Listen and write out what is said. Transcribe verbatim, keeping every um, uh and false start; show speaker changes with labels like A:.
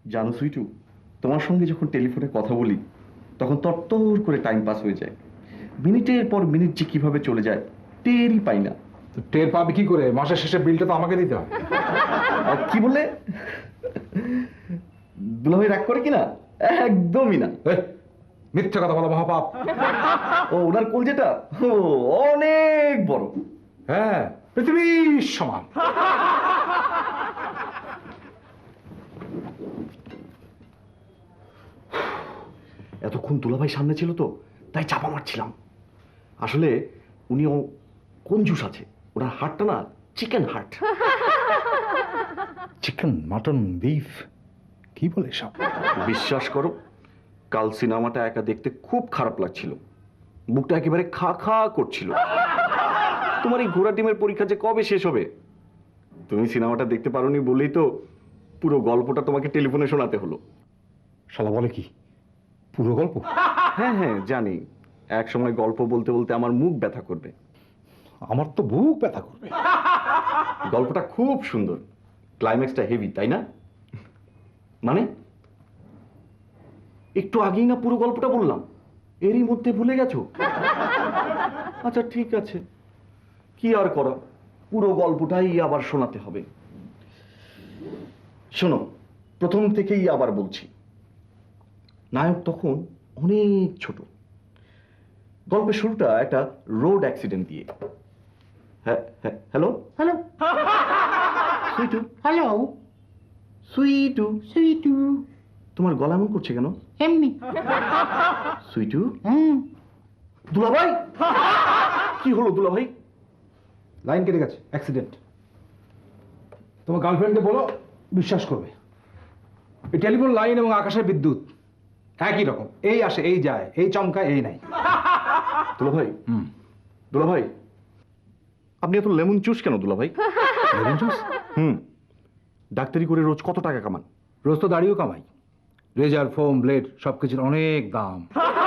A: জানো সুইটু, তোমার সঙ্গে যখন টেলিফোনে কথা বলি তখন তরতর করে টাইম পাস হয়ে যায়। মিনিটের পর মিনিট যে কিভাবে চলে যায় টেরই পাই না।
B: তো টের পাবে কি করে? মাসের শেষে বিলটা তো আমাকে দিতে হবে।
A: আর কি বললে? দুলাভাই রাগ করে কিনা? একদমই না।
B: এই, মিথ্যে কথা বলা মহাপাপ।
A: ও ওনার কোল যেটা ও অনেক বড়।
B: হ্যাঁ, পৃথিবীর সমান।
A: এতক্ষণ দুলাভাই সামনে ছিল তো তাই চাপা মারছিলাম। আসলে উনিও কঞ্জুস আছে, ওনার হাটটা না চিকেন হাট।
B: চিকেন, মাটন, বিফ, কি বলে সব?
A: বিশ্বাস করো, কাল সিনেমাটা একা দেখতে খুব খারাপ লাগছিল, বুকটা একেবারে খা খা করছিল। তোমার এই ঘোড়া টিমের পরীক্ষা যে কবে শেষ হবে? তুমি সিনেমাটা দেখতে পারোনি বলেই তো পুরো গল্পটা তোমাকে টেলিফোনে শোনাতে হলো।
B: শালা বলে কি, পুরো গল্প?
A: হ্যাঁ হ্যাঁ জানি, এক সময় গল্প বলতে বলতে আমার মুখ ব্যথা করবে।
B: আমার তো বুক ব্যথা করবে।
A: গল্পটা খুব সুন্দর, ক্লাইম্যাক্সটা হেভি, তাই না? মানে একটু আগেই না পুরো গল্পটা বললাম, এরই মধ্যে ভুলে গেছো? আচ্ছা ঠিক আছে, কি আর করা, পুরো গল্পটাই আবার শোনাতে হবে। শোনো, প্রথম থেকেই আবার বলছি। নায়ক তখন অনেক ছোট। গল্পের শুরুটা একটা রোড অ্যাক্সিডেন্ট দিয়ে। হ্যাঁ হ্যাঁ hello
C: hello
A: Sweetu,
C: hello
A: Sweetu,
C: Sweetu
A: তোমার গলা এমন করছে কেন?
C: এমনি
A: সুইটু,
C: হুম
A: দুলাভাই কি হলো দুলাভাই?
B: লাইন কেটে গেছে, অ্যাক্সিডেন্ট। তোমার গার্লফ্রেন্ডকে বলো, বিশ্বাস করবে। এই টেলিফোন লাইন এবং আকাশের বিদ্যুৎ একই রকম, এই আসে এই যায়, এই চমকায় এই নাই।
A: দুলাভাই,
B: হুম,
A: দুলাভাই আপনি এত লেমন জুস কেন দুলাভাই?
B: Lemon juice?
A: হুম, ডাক্তারি করে রোজ কত টাকা কামান?
B: রোজ তো দাড়িও কামাই। রেজার, ফোম, ব্লেড সব কিছুর অনেক দাম।